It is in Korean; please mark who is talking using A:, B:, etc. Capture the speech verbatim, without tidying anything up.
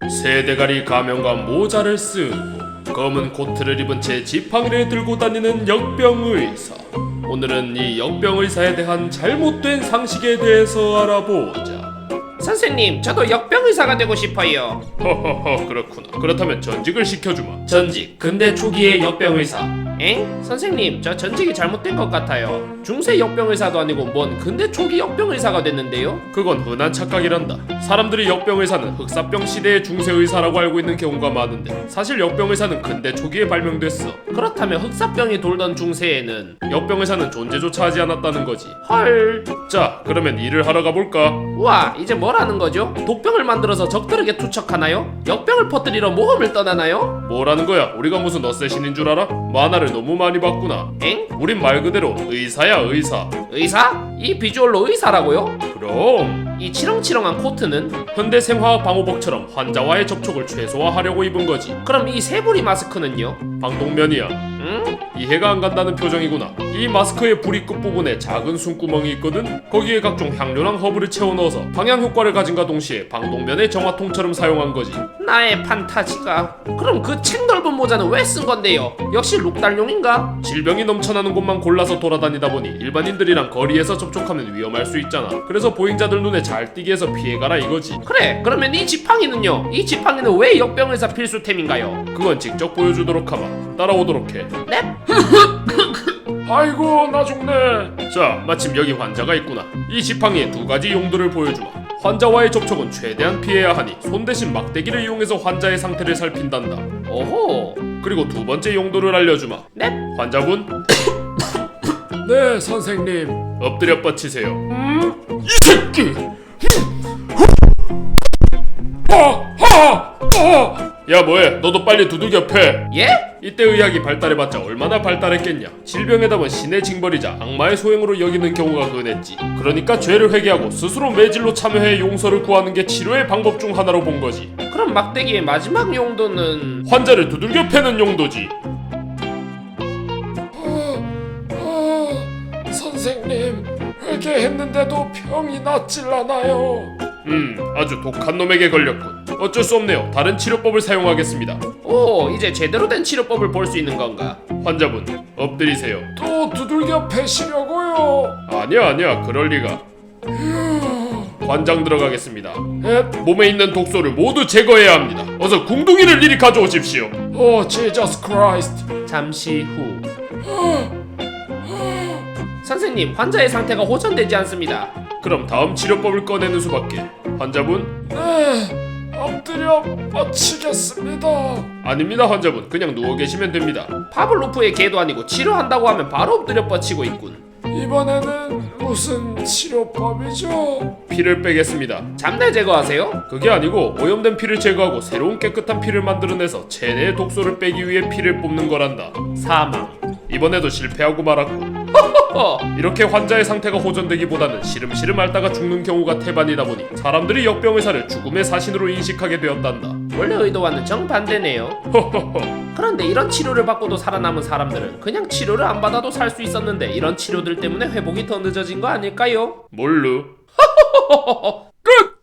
A: 새 대가리 가면과 모자를 쓰고 검은 코트를 입은 채 지팡이를 들고 다니는 역병의사. 오늘은 이 역병의사에 대한 잘못된 상식에 대해서 알아보자.
B: 선생님, 저도 역병의사가 되고 싶어요.
A: 허허허, 그렇구나. 그렇다면 전직을 시켜주마.
B: 전직, 근대 초기의 역병의사. 엥? 선생님, 저 전직이 잘못된 것 같아요. 중세 역병의사도 아니고 뭔 근대 초기 역병의사가 됐는데요?
A: 그건 흔한 착각이란다. 사람들이 역병의사는 흑사병 시대의 중세의사라고 알고 있는 경우가 많은데 사실 역병의사는 근대 초기에 발명됐어.
B: 그렇다면 흑사병이 돌던 중세에는
A: 역병의사는 존재조차 하지 않았다는 거지.
B: 헐.
A: 자, 그러면 일을 하러 가볼까?
B: 우와, 이제 뭐라는 거죠? 독병을 만들어서 적들에게 투척하나요? 역병을 퍼뜨리러 모험을 떠나나요?
A: 뭐라는 거야? 우리가 무슨 어쌔신인 줄 알아? 만화를 너무 많이 봤구나.
B: 엥?
A: 우린 말 그대로 의사야, 의사.
B: 의사? 이 비주얼로 의사라고요?
A: 그럼
B: 이 치렁치렁한 코트는?
A: 현대 생화학 방호복처럼 환자와의 접촉을 최소화하려고 입은 거지.
B: 그럼 이 새부리 마스크는요?
A: 방독면이야.
B: 응?
A: 이해가 안 간다는 표정이구나. 이 마스크의 부리 끝부분에 작은 숨구멍이 있거든. 거기에 각종 향료랑 허브를 채워 넣어서 방향 효과를 가진과 동시에 방독면의 정화통처럼 사용한 거지.
B: 나의 판타지가. 그럼 그 책 넓은 모자는 왜 쓴 건데요? 역시 룩달용인가?
A: 질병이 넘쳐나는 곳만 골라서 돌아다니다 보니 일반인들이랑 거리에서 접촉하면 위험할 수 있잖아. 그래서 보행자들 눈에 잘 띄게 해서 피해가라 이거지.
B: 그래, 그러면 이 지팡이는요? 이 지팡이는 왜 역병의사 필수템인가요?
A: 그건 직접 보여주도록 하마. 따라오도록 해.
B: 넵?
A: 아이고 나 죽네. 자, 마침 여기 환자가 있구나. 이 지팡이의 두 가지 용도를 보여주마. 환자와의 접촉은 최대한 피해야 하니 손 대신 막대기를 이용해서 환자의 상태를 살핀단다.
B: 오호.
A: 그리고 두 번째 용도를 알려주마.
B: 넵?
A: 환자분. 네 선생님. 엎드려 뻗치세요. 음? 이 새끼. 야 뭐해? 너도 빨리 두들겨 패.
B: 예?
A: 이때 의학이 발달해봤자 얼마나 발달했겠냐. 질병의 답은 신의 징벌이자 악마의 소행으로 여기는 경우가 흔했지. 그러니까 죄를 회개하고 스스로 매질로 참여해 용서를 구하는 게 치료의 방법 중 하나로 본 거지.
B: 그럼 막대기의 마지막 용도는?
A: 환자를 두들겨 패는 용도지.
C: 선생님, 회개했는데도 병이 낫질 않아요.
A: 음, 아주 독한 놈에게 걸렸군. 어쩔 수 없네요. 다른 치료법을 사용하겠습니다.
B: 오, 이제 제대로 된 치료법을 볼 수 있는 건가?
A: 환자분, 엎드리세요.
C: 또 두들겨 패시려고요.
A: 아니야 아니야, 그럴 리가. 관장 들어가겠습니다.
C: 에?
A: 몸에 있는 독소를 모두 제거해야 합니다. 어서 궁둥이를 이리 가져오십시오.
C: 오, 지저스 크라이스트.
B: 잠시 후. 선생님, 환자의 상태가 호전되지 않습니다.
A: 그럼 다음 치료법을 꺼내는 수밖에. 환자분?
C: 네, 엎드려 뻗치겠습니다.
A: 아닙니다 환자분. 그냥 누워 계시면 됩니다.
B: 파블로프의 개도 아니고 치료한다고 하면 바로 엎드려 뻗치고 있군.
C: 이번에는 무슨 치료법이죠?
A: 피를 빼겠습니다.
B: 잠들 제거하세요?
A: 그게 아니고 오염된 피를 제거하고 새로운 깨끗한 피를 만들어내서 체내의 독소를 빼기 위해 피를 뽑는 거란다.
B: 사망.
A: 이번에도 실패하고 말았군.
B: 허.
A: 이렇게 환자의 상태가 호전되기보다는 시름시름 앓다가 죽는 경우가 태반이다 보니 사람들이 역병의사를 죽음의 사신으로 인식하게 되었단다.
B: 원래 의도와는 정반대네요.
A: 허허허.
B: 그런데 이런 치료를 받고도 살아남은 사람들은 그냥 치료를 안 받아도 살 수 있었는데 이런 치료들 때문에 회복이 더 늦어진 거 아닐까요?
A: 몰루.
B: 끝!